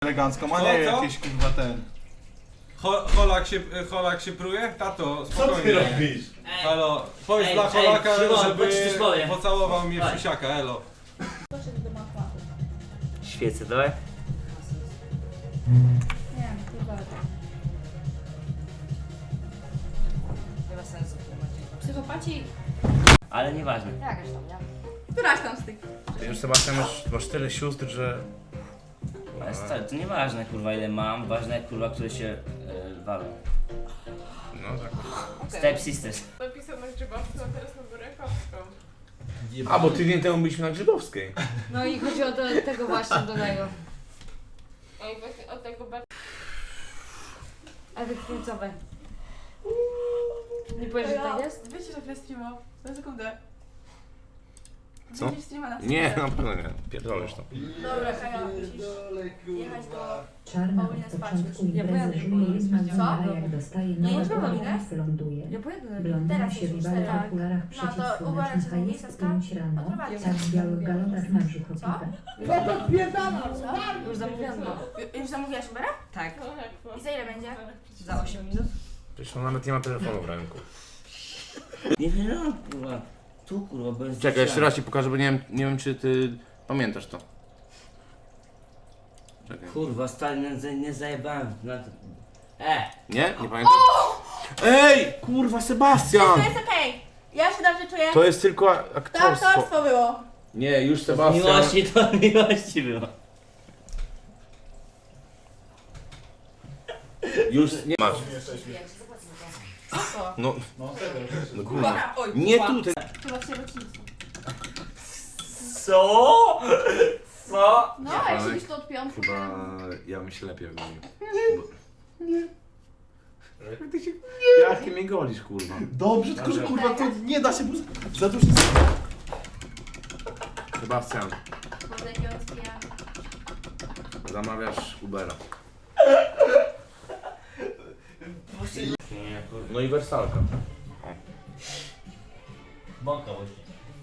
elegancką, a nie jakieś kurwa ten. Holak się pruje? Tato, Co spokojnie. ty robisz? Halo, powiedz dla Holaka, żeby pocałował mnie w przysiaka, elo. Świecę, dawaj. Nie wiem, chyba. Nie ma sensu tłumaczyć. Psychopaci... Ale nieważne. Jakaś tam, nie? Któraś tam z tych... Ty już Sebastian masz tyle sióstr, że... Ale stary, to nieważne kurwa ile mam, ważne kurwa, które się walą. No tak. Step Sisters. Napisał na Grzybowską, a teraz na Burykowską. A, bo tydzień temu byliśmy na Grzybowskiej. No i chodzi o tego właśnie, do tego. Ej, właśnie od tego bardzo... Efekt końcowy. Nie powiesz, że tak jest? Wiecie, że przez streama. Na sekundę. Co? Widzisz streama na Nie, sekundę. na pewno nie. Pierdolisz to. Dobra, Kaja, musisz jechać do... Czarna Paulina od spać początku już. Ja imprezy pojadę, żyje i zmagana, Co? a jak dostaje Nie, nowe nie trzeba kolorów, ląduje. Ja pojadę. Blondyna Teraz się już wywala w tak. okularach No to przeciwsłonecznych, uważajcie, a jest niebieska. 5 rano, Odprowadź. tak w białych galonach na brzuch opita. Już zamówiłam. Już zamówiłaś Ubera? Tak. I za ile będzie? Za 8 minut. Przecież on nawet nie ma telefonu w ręku. Nie wiem, kurwa. Tu kurwa, bez... Czekaj, jeszcze raz ci pokażę, bo nie wiem czy ty pamiętasz to. Czekaj. Kurwa, stary, nie zajebałem na to. Nie? Nie pamiętasz? Ej! Kurwa, Sebastian! To jest okej. Ja się dobrze czuję. To jest tylko To aktorstwo. aktorstwo było. Nie, już To Sebastian. miłości było. Już nie masz. Co? No, no kurwa. Oj, Nie kurwa. tutaj. Chyba w sierocińcu. Co? Co? No, jak siedzisz tu od piątku. Chyba ja bym się lepiej wymienił. Jak ty mnie golisz, kurwa? Dobrze, tylko że kurwa to nie da się, bo za dużo... Sebastian, Może jakiegoś pijamy. zamawiasz Ubera. Nie, kurwa. No i wersalka. Bąka właśnie.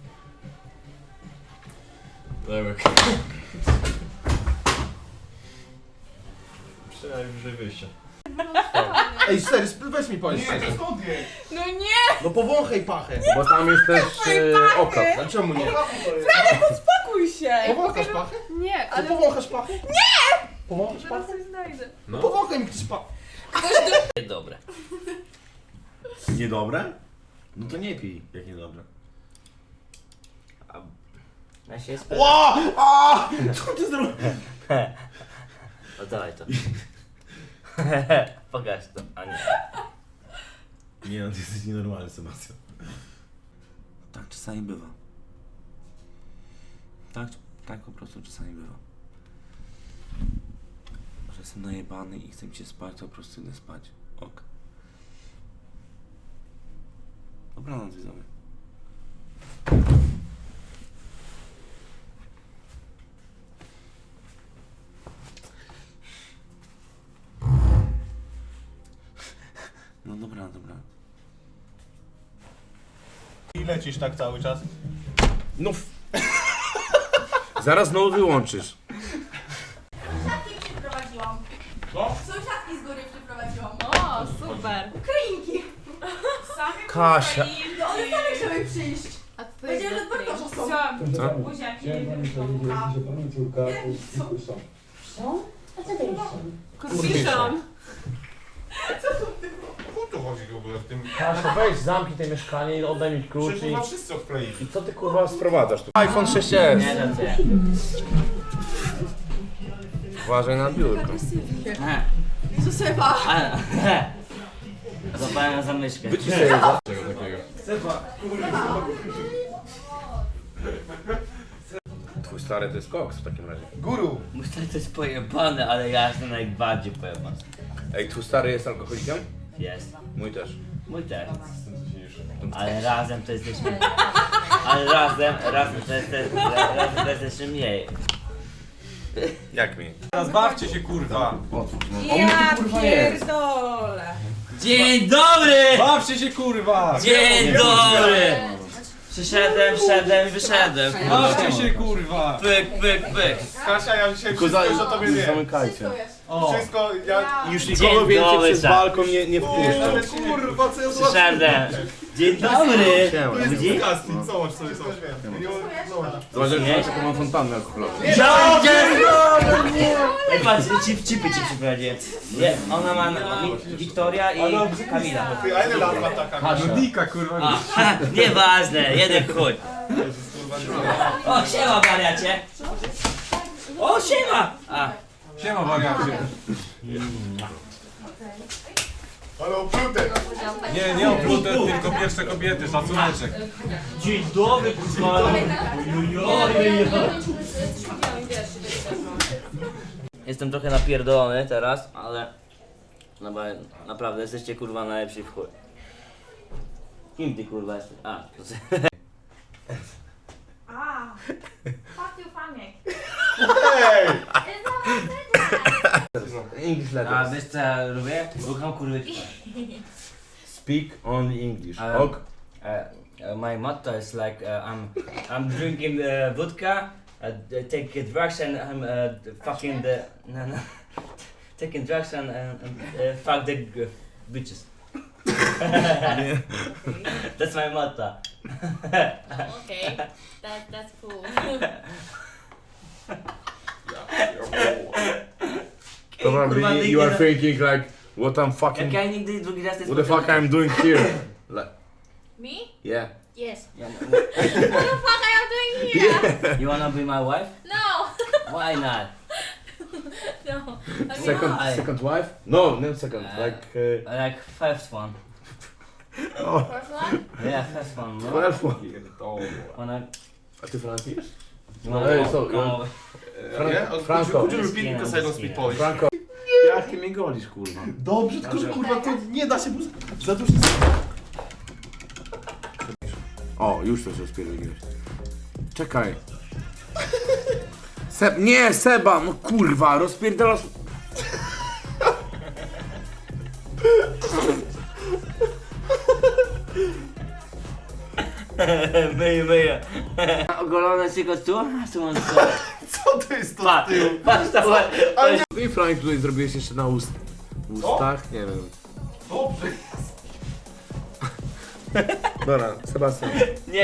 Przynajmniej wyjście. Ej, stary, weź mi powiedz. Nie, to skąd jest? No nie! No powąchaj pachę. Bo tam jest też oko. Dlaczego nie? Spokój się! Powąchasz pachę? Nie, Ale powąchasz pachę? Nie! Powąchasz pachę? coś znajdę. No powąchaj mi ktoś pachę. Dobre. Niedobre? No to nie pij, jak niedobre. Ja się Ła! A! Co ty zrobiłeś? Oddawaj to. Pokaż to, a nie. Nie no, ty jesteś nienormalny, Sebastian. Tak czasami bywa. Tak po prostu czasami bywa. Że jestem najebany i chcę mi się spać, to po prostu idę spać. Ok. Dobranoc, widzowie. No dobra, dobra. I lecisz tak cały czas. No zaraz znowu wyłączysz. Sąsiadki przyprowadziłam. Co? Sąsiadki z góry przyprowadziłam. O, super. Kryjniki. Kasia. No one same chciały przyjść. A co to Powiedziałem, że jest z Bartosza są. Co? Co? A co to jest? Kurwiszon. O co chodzi w ogóle w tym? Kasia, weź zamknij to mieszkanie i oddaj mi klucz Przecież chyba wszyscy odkleili. i co ty kurwa sprowadzasz tu? iPhone 6s. Nie, to ty. Uważaj na biurko. Josefa. Zapałem na zamyszkę. Wyciszej je. Twój stary to jest koks w takim razie. Guru! Mój stary to jest pojebane, ale ja jestem najbardziej pojebany. Ej, twój stary jest alkoholikiem? Jest. Mój też. Mój też. Ale razem to jesteśmy... Ale razem to jesteśmy mniej. Jak mi? Teraz bawcie się, kurwa. Ja pierdolę. Dzień dobry! Bawcie się, kurwa. Dzień dobry! Przyszedłem, wszedłem i wyszedłem. Bawcie się kurwa! Pyk, pyk, pyk. Kasia, ja dzisiaj Tylko wszystko już o tobie wiem. zamykajcie. O! Wszystko, ja... Już Dzień nikogo więcej dobry, przez tak. balkon nie wpuszczą. Ale kurwa, co ja Przyszedłem. Dzień dobry. Siema. To jest Widzi? disgusting, zobacz sobie, zobacz. Zobacz, jaką mam fontannę alkoholową. Ej, patrz, chipy ci przyprowadziłem. Nie, ona ma Wiktoria i Kamila. Ty, a ile lat ma taka? Dika kurwa. A, nieważne, jeden chuj. O, siema wariacie. O, siema. A, Siema wariacie. Ale oplute. Nie oplute, tylko pierwsze kobiety, szacuneczek. dzień dobry, kurwa. Jestem trochę napierdolony teraz, ale naprawdę jesteście kurwa najlepsi w chuj. Kim ty kurwa jesteś? A, to Fuck you, Faniek. Hej! English A letters. wiesz co ja lubię? Słucham kurwy. Speak only English. Ok. My motto is like I'm drinking vodka, take drugs and I'm fucking the taking drugs and fuck the bitches. That's my motto. Okay, that's cool. Probably you are thinking like, what I'm fucking, Jak ja nigdy drugi raz nie what the fuck I'm doing here? Like, Me? yeah. Yes. Yeah, What the fuck are you doing here? You wanna be my wife? No. Why not? No. I mean, Second wife? No, not second. Like, Like first one. oh, first one? Yeah, first one. No. 12 one. Wanna... A ty Franek pijesz? No, Ej, co, no. Nie? Franco. Could you repeat because I don't speak Polish? Franco. Jak ty mnie golisz, kurwa? Dobrze, tylko że kurwa to nie da się, bo za dużo... O, już coś rozpierdoliłeś. Czekaj. Nie, Seba, no kurwa, rozpierdolasz... Myję. Ogolone tylko tu? A tu mam Co to jest to Patrz, z tyłu? patrz to No i Franek tutaj zrobiłeś jeszcze na ustach? Nie wiem. Dobrze. Dobra, Sebastian.